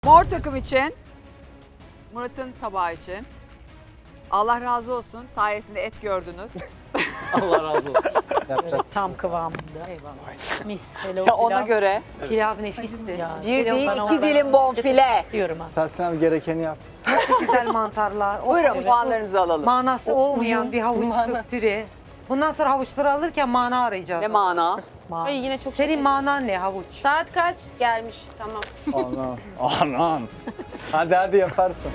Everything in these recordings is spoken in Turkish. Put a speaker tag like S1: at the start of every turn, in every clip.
S1: Mor takım için, Murat'ın tabağı için. Allah razı olsun. Sayesinde et gördünüz.
S2: Allah razı olsun.
S3: Yapacak.
S4: Tam kıvamında. Eyvallah. Mis. Hele o
S1: Ya ona
S4: pilav.
S1: göre
S4: Pilav nefisti.
S1: bir
S4: Hele
S1: değil
S4: bana
S1: iki
S4: oradan
S1: dilim bonfile.
S4: istiyorum ha.
S3: Tahsin abi gerekeni yap.
S5: Güzel mantarlar.
S1: Buyurun puanlarınızı alalım.
S5: Manası olmayan bir havuç püre. Bundan sonra havuçları alırken mana arayacağız.
S1: Ne mana?
S6: Ay yine çok
S5: Senin manan ne havuç?
S6: Saat kaç? Gelmiş. Tamam.
S3: Anam. Anam. Hadi yaparsın.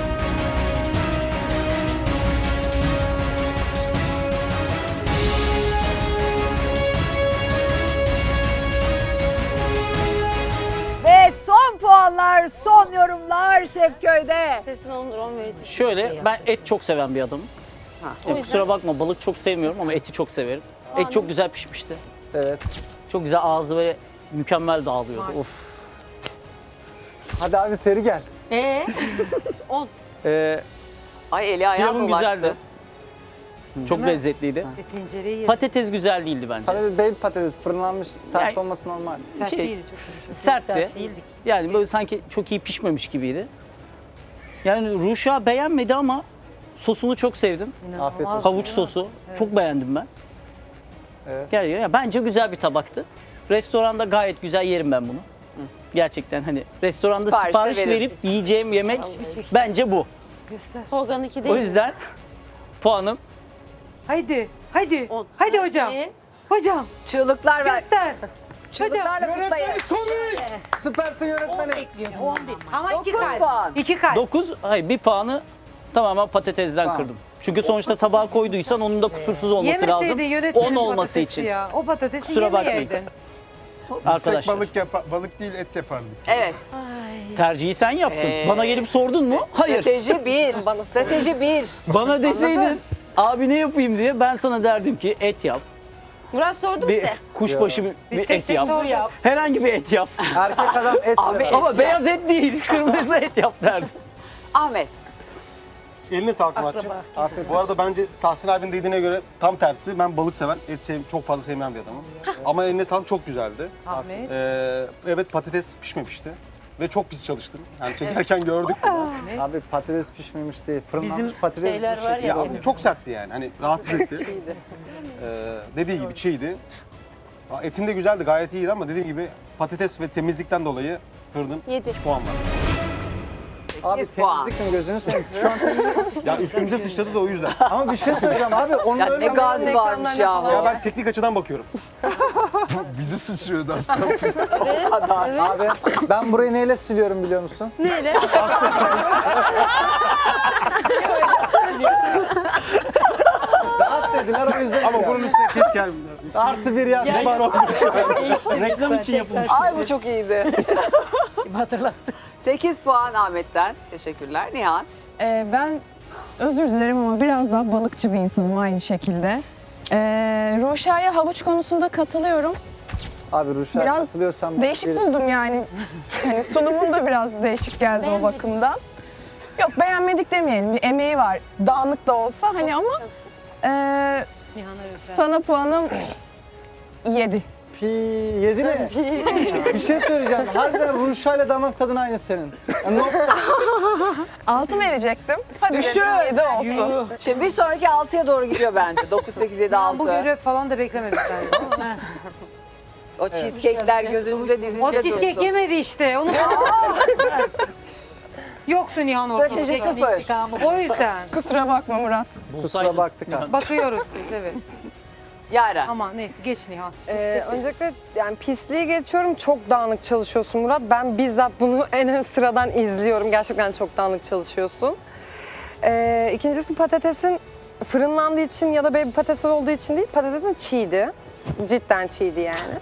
S1: Ve son puanlar, son yorumlar Şefköy'de.
S6: Sesin olur 10 verir.
S2: Şöyle ben et çok seven bir adamım. Kusura bakma balık çok sevmiyorum ama eti çok severim. Et çok güzel pişmişti.
S3: Evet.
S2: Çok güzel ağzı böyle mükemmel dağılıyordu. Of.
S3: Hadi abi seri gel.
S1: Ay eli ayağı
S2: Pilavın
S1: dolaştı.
S2: güzeldi. Çok lezzetliydi.
S5: Tencereyi yedim.
S2: Patates güzel değildi bence.
S3: Patates, baby patates fırınlanmış sert
S2: Yani-
S3: olması normal.
S5: Sert
S2: şey,
S5: değil, çok yumuşak.
S2: sertti.
S5: Sert değildik.
S2: Yani böyle sanki çok iyi pişmemiş gibiydi. Yani Ruşa beğenmedi ama sosunu çok sevdim.
S5: İnanılmaz
S3: Afiyet olsun.
S2: Havuç sosu. Çok beğendim ben.
S3: Evet.
S2: Yani bence güzel bir tabaktı. Restoranda gayet güzel yerim ben bunu. Gerçekten hani restoranda
S1: Sipariş de
S2: sipariş
S1: veririm.
S2: verip yiyeceğim yemek bence bu.
S5: Göster.
S6: Tolga'nın 2 değil.
S2: O yüzden puanım
S5: Haydi. Haydi.
S6: On.
S5: Haydi hocam. Hocam.
S1: Çığlıklar ver.
S5: Göster.
S1: Çığlıklarla kutlayın.
S3: Süpersin yönettmenim.
S4: Bekliyorum 11.
S5: Ama 2
S1: 9
S5: kalp.
S1: puan.
S5: 2 kalp.
S2: 9, hayır bir puanı tamamen patatesden
S3: Tamam.
S2: kırdım. Çünkü sonuçta tabağa koyduysan onun da kusursuz olması
S5: Yemeseydin
S2: lazım.
S5: yönetmenin
S2: 10 olması
S5: patatesi
S2: için.
S5: Ya. O patatesi
S2: Kusura bakmayın.
S5: yemeyeydin.
S2: Arkadaşlar
S7: Balık değil et yapardık.
S1: Evet.
S2: tercihi sen yaptın. Bana gelip sordun mu? Hayır.
S1: Strateji 1. Strateji 1.
S2: Bana deseydin abi ne yapayım diye ben sana derdim ki et yap.
S6: Murat sordu
S2: Bir
S6: size.
S2: kuşbaşı bir
S5: Biz tek
S2: et
S5: tek
S2: yap.
S5: sorduk.
S2: Herhangi bir et yap.
S3: Erkek adam et
S1: Abi
S3: sever.
S1: et.
S2: Ama beyaz et değil, kırmızı et yap derdim.
S1: Ahmet.
S7: Eline sağlık Muratcığım.
S3: Afiyet
S7: Bu arada bence Tahsin abinin dediğine göre tam tersi. Ben balık seven, çok fazla sevmeyen bir adamım. Ama eline sağlık çok güzeldi.
S5: Ahmet.
S7: Evet patates pişmemişti. Ve çok pis çalıştım. Yani çekerken gördük bunu.
S3: Abi patates pişmemiş değil. Fırınlanmış
S4: Bizim
S3: patates
S4: şeyler
S3: bu
S4: var
S3: şekilde
S4: ya,
S3: olmuş.
S7: Çok sertti yani. Hani rahatsız etti. Dediği gibi çiğdi. Etim de güzeldi, gayet iyiydi ama dediğim gibi patates ve temizlikten dolayı kırdım.
S6: 7.
S7: Puan var.
S3: Abi
S1: 8 puan.
S3: temizlik mi gözünü seveyim? Şu an temizlik.
S7: Ya üstümüze sıçradı da o yüzden.
S3: Ama bir şey söyleyeceğim abi. Onun
S1: Ya
S3: öyle
S1: ne gazi varmış yahu.
S7: Ya ben teknik açıdan bakıyorum.
S8: Bizi sıçrıyordu aslında.
S3: Abi ben burayı neyle siliyorum biliyor musun?
S6: Neyle?
S3: Rahat dediler o yüzden.
S7: Ama bunun üstüne keşke gelmiyor.
S3: Artı bir yap.
S2: Reklam için yapılmış.
S1: Ay bu çok iyiydi.
S4: Hatırlattı.
S1: 8 puan Ahmet'ten. Teşekkürler. Nihan.
S9: Ben özür dilerim ama biraz daha balıkçı bir insanım aynı şekilde. Ruşa'ya havuç konusunda katılıyorum.
S3: Abi Ruşa
S9: Biraz
S3: katılıyorsam...
S9: Değişik buldum yani. Hani sunumun da biraz değişik geldi o bakımdan. Yok beğenmedik demeyelim. Bir emeği var. Dağınık da olsa hani ama
S5: Nihan'a özel.
S9: sana puanım 7.
S3: Pi 7 mi? Bir şey söyleyeceğim. Harbiden Ruşa ile damak tadın aynı senin. Yani
S9: 6 verecektim. Hadi
S1: Düşün.
S9: 7 olsun.
S1: Şimdi bir sonraki 6'ya doğru gidiyor bence. 9, 8, 7,
S5: Ben bu
S1: 6.
S5: görev falan da beklemedik yani.
S1: O cheesecake'ler gözünüzde
S5: O
S1: dizinizde
S5: cheesecake
S1: dursun.
S5: yemedi işte. Onu Yoktu Nihan ortada.
S1: Strateji 0.
S5: O yüzden
S9: Kusura bakma Murat.
S3: kusura baktık abi.
S5: bakıyoruz biz evet.
S1: Yara.
S5: Ama neyse geç Nihan.
S10: Öncelikle yani pisliği geçiyorum. Çok dağınık çalışıyorsun Murat. Ben bizzat bunu en ön sıradan izliyorum. Gerçekten çok dağınık çalışıyorsun. İkincisi patatesin fırınlandığı için ya da baby patates olduğu için değil. Patatesin çiğdi. Cidden çiğdi yani.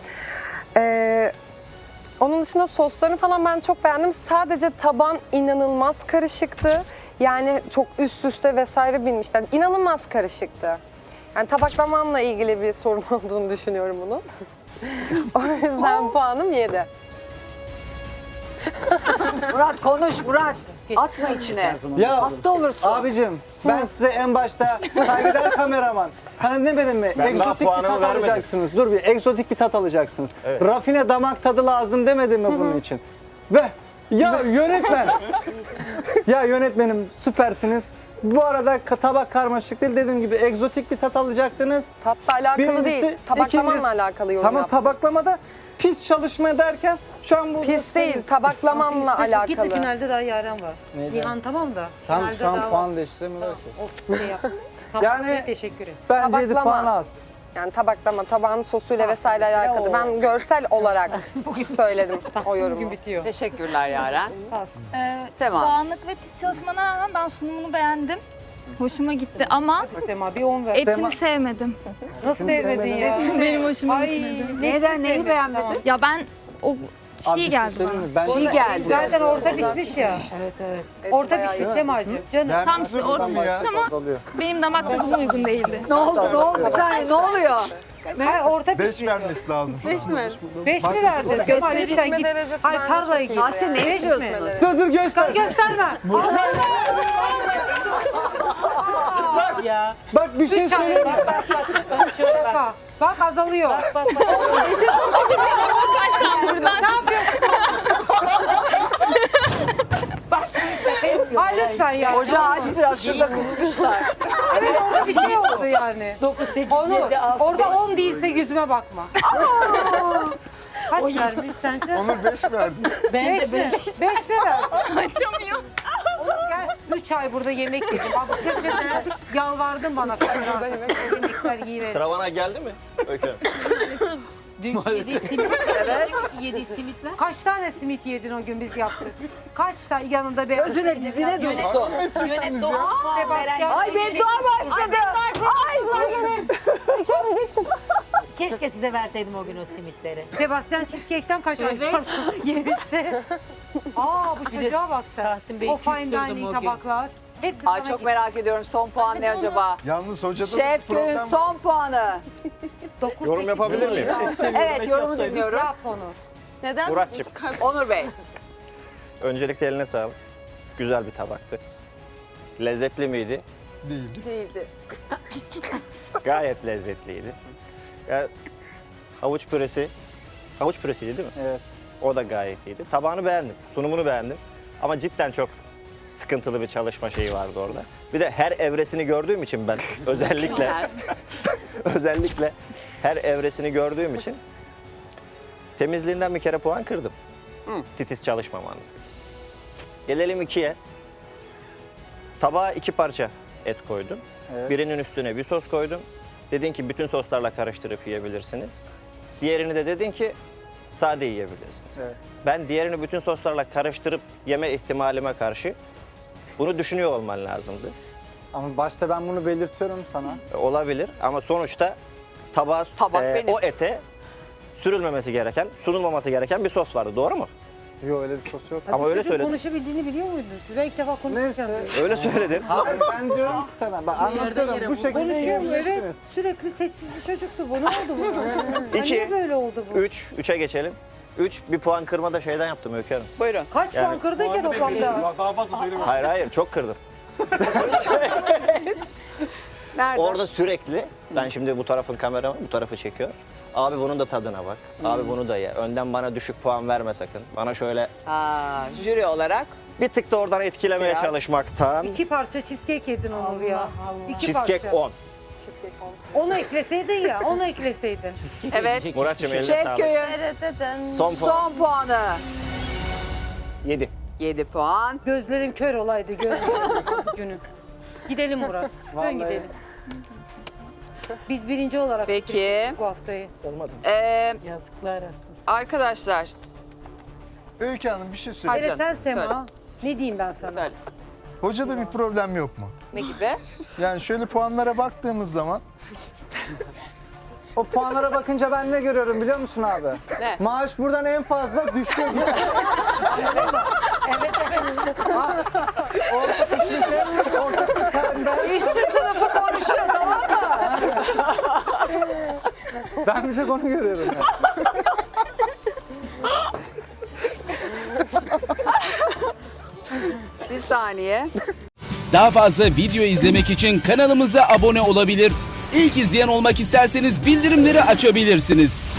S10: Onun dışında soslarını falan ben çok beğendim. Sadece taban inanılmaz karışıktı. Yani çok üst üste vesaire binmişler. İnanılmaz karışıktı. Yani tabaklamanla ilgili bir sorun olduğunu düşünüyorum bunun. O yüzden puanım 7.
S1: Murat konuş Murat. Atma içine.
S3: Ya
S1: Hasta olursun.
S3: abicim ben size en başta kaybeder kameraman. Sana demedim mi?
S8: daha
S3: Egzotik bir
S8: puanımı
S3: tat
S8: vermedim.
S3: alacaksınız. Dur bir egzotik bir tat alacaksınız. Rafine damak tadı lazım demedim mi bunun için? Ve Ya yönetmen. Ya yönetmenim süpersiniz. Bu arada tabak karmaşık değil, dediğim gibi egzotik bir tat alacaktınız.
S10: Tatla alakalı
S3: Birincisi,
S10: değil. Tabaklamanla
S3: ikincisi-
S10: alakalı yorum
S3: Tamam,
S10: yaptım.
S3: tabaklamada pis çalışma derken şu an bu
S10: Pis değil, tabaklamanla
S5: Çok gitti,
S10: alakalı.
S5: finalde daha Yaren var.
S3: Neyden?
S5: Nihan tamam da.
S3: Tam
S5: finalde
S3: şu an
S5: daha
S3: puan
S5: var.
S3: değiştiremiyorlar ki.
S5: Olsun şey yap. Tamam,
S3: Yani-
S5: teşekkür ederim.
S3: Bence 7
S10: Tabaklama.
S3: puan az.
S10: Yani tabaklama, tabağın sosuyla vesaire alakalı.
S5: Oo.
S10: Ben görsel olarak söyledim o
S5: Bugün
S10: yorumu.
S5: bitiyor.
S1: Teşekkürler Yaren. Sema.
S11: Dağınık ve pis çalışmana rağmen ben sunumunu beğendim. Hoşuma gitti ama
S5: Hadi Sema bir 10 ver.
S11: etini sevmedim.
S5: Nasıl sevmedin ya?
S11: Benim hoşuma
S5: Ay,
S11: gitmedi.
S1: Neden, neyi beğenmedin?
S11: Ya ben o
S3: Abi bir
S11: çiğ
S3: şey
S11: geldi
S3: söyleyeyim
S11: bana.
S3: mi? Ben
S1: Çiğ geldi.
S5: Zaten orta pişmiş ya.
S4: Evet evet.
S10: Et
S5: Orta
S10: bayağı
S5: pişmiş
S10: iyi.
S5: Semacığım. Canım.
S11: Tam işte orta ama
S3: oluyor.
S11: benim damak tadıma uygun değildi.
S1: Ne oldu, ne oldu? Bir saniye, ne oluyor?
S5: Hayır, orta
S8: 5
S5: pişmiş.
S8: vermesi lazım.
S6: 5 mi?
S5: 5 mi verdin? Sema
S10: Gösteri
S5: lütfen
S10: bitme
S5: git.
S10: derecesi
S5: Hayır
S10: bence
S5: tarlaya
S10: çok
S5: git.
S10: iyi.
S1: Tahsin ne
S5: Beş mi?
S1: yapıyorsunuz?
S3: Dur göster.
S5: Gösterme.
S4: Ya.
S3: Bak bir şey söyleyeyim mi?
S4: Bak şöyle bak.
S5: Bak azalıyor.
S4: Bak. Şaka yapıyor.
S5: Ay lütfen ya.
S1: Ocağı aç biraz, şurada kızmışlar.
S5: Evet orada bir şey oldu yani.
S4: 9, 8,
S5: Onu
S4: 7, 6.
S5: orada 10 değilse yüzüme bakma. Kaç vermiş sence?
S8: Onur 5 verdi.
S5: 5
S4: Bence
S5: mi?
S4: 5.
S5: 5 mi ver?
S11: Açamıyor.
S5: Gel 3 ay burada yemek yedim. Bak köşede yalvardın bana. Yemekler iyi verin.
S12: Sıra bana geldi mi? Öykü.
S4: Dün yediği simit. Evet. Yediği simitler.
S5: Kaç tane simit yedin o gün biz yaptık? Kaç tane yanında beyaz
S1: Gözüne
S5: peynir
S1: dizine
S5: var?
S1: dursun.
S4: Yönet doğal puan
S5: Sebastian.
S1: Ay beddua başladı.
S4: Keşke size verseydim o gün o simitleri.
S5: Sebastian Cheesecake'ten kaç ay
S4: Evet.
S5: yemişti. Aa bu çocuğa bak sen.
S4: Tahsin Bey'i
S5: O fine
S4: küstürdüm
S5: dining
S4: o gün.
S5: tabaklar. Hepsi
S1: Ay
S5: sana
S1: çok merak ediyorum, son puan ne acaba?
S8: Yalnız hocada
S1: Şef Köy'ün
S8: problem
S1: son puanı.
S12: Yorum yapabilir miyim?
S1: Evet, yorumu dinliyoruz.
S5: Yap onu.
S6: Neden?
S12: Muratçım,
S1: Onur Bey.
S12: öncelikle eline sağlık. Güzel bir tabaktı. Lezzetli miydi?
S8: değil.
S1: Değildi.
S12: Gayet lezzetliydi. Ya, havuç püresiydi değil mi?
S3: Evet.
S12: O da gayet iyiydi. Tabağını beğendim, sunumunu beğendim. Ama cidden çok sıkıntılı bir çalışma şeyi vardı orada. Bir de her evresini gördüğüm için ben özellikle her evresini gördüğüm için temizliğinden bir kere puan kırdım. Titiz çalışmaman. Gelelim 2'ye. Tabağa 2 parça et koydum.
S3: Evet.
S12: Birinin üstüne bir sos koydum. Dedin ki bütün soslarla karıştırıp yiyebilirsiniz. Diğerini de dedin ki sade yiyebilirsiniz.
S3: Evet.
S12: Ben diğerini bütün soslarla karıştırıp yeme ihtimalime karşı bunu düşünüyor olman lazımdı.
S3: Ama başta ben bunu belirtiyorum sana.
S12: Olabilir ama sonuçta tabağa,
S1: Tabak benim.
S12: o ete sürülmemesi gereken, sunulmaması gereken bir sos vardı. Doğru mu?
S3: Yok öyle bir sos yok.
S12: Ama öyle
S5: Çocuğun
S12: söyledin.
S5: konuşabildiğini biliyor muydunuz? Siz ben ilk defa konuşurken.
S3: Neyse.
S12: Öyle söyledin.
S3: Hayır ben diyorum ki sana, ben anlatıyorum bu şekilde
S5: Konuşuyor mu? Evet.
S3: yiyebilirsiniz.
S5: Sürekli sessiz bir çocuktu. Bu ne oldu bu?
S12: İki.
S5: Niye böyle oldu bu?
S12: 3'e geçelim. 3 bir puan kırma da şeyden yaptım Öykü Hanım.
S1: Buyurun.
S5: Kaç
S12: Yani-
S5: puan kırdın ki toplamda?
S7: Daha fazla söyleme.
S12: Hayır çok kırdım.
S1: Nerede?
S12: Orada sürekli ben şimdi bu tarafın kamera var, bu tarafı çekiyor. Abi bunun da tadına bak. Abi bunu da ye. Önden bana düşük puan verme sakın. Bana şöyle
S1: Jüri olarak.
S12: bir tık da oradan etkilemeye
S1: Biraz.
S12: çalışmaktan.
S5: 2 parça cheesecake yedin Onur ya. 2
S12: Cheesecake
S5: parça.
S12: 10.
S10: Cheesecake oldu.
S5: Onu ekleseydin ya, onu ekleseydin.
S1: Evet.
S12: Muratçım eline
S1: Şef
S12: sağlık.
S1: Köy'ün
S12: Son puan.
S1: son puanı.
S12: 7.
S1: 7 puan.
S5: Gözlerim kör olaydı görmeyecektim günü. Gidelim Murat. Dön
S3: Vallahi.
S5: gidelim. Biz birinci olarak
S1: Peki.
S5: bitirdik bu haftayı.
S12: Olmadı.
S4: Yazıklar olsun.
S1: Arkadaşlar.
S8: Öykü Hanım bir şey söyle.
S5: Hele
S1: canım,
S5: sen Sema.
S1: söyle.
S5: Ne diyeyim ben sana?
S1: Söyle.
S8: Hocada bir problem yok mu?
S1: Ne gibi?
S8: Yani şöyle puanlara baktığımız zaman
S3: O puanlara bakınca ben ne görüyorum biliyor musun abi?
S1: Ne?
S3: Maaş buradan en fazla düşüyor.
S4: Evet evet.
S3: Orta pişmişe, orta sıkarında.
S1: İşçi sınıfı konuşuyor, tamam mı?
S3: Ben bir tek onu görüyorum. Yani.
S1: Bir saniye.
S13: Daha fazla video izlemek için kanalımıza abone olabilir. İlk izleyen olmak isterseniz bildirimleri açabilirsiniz.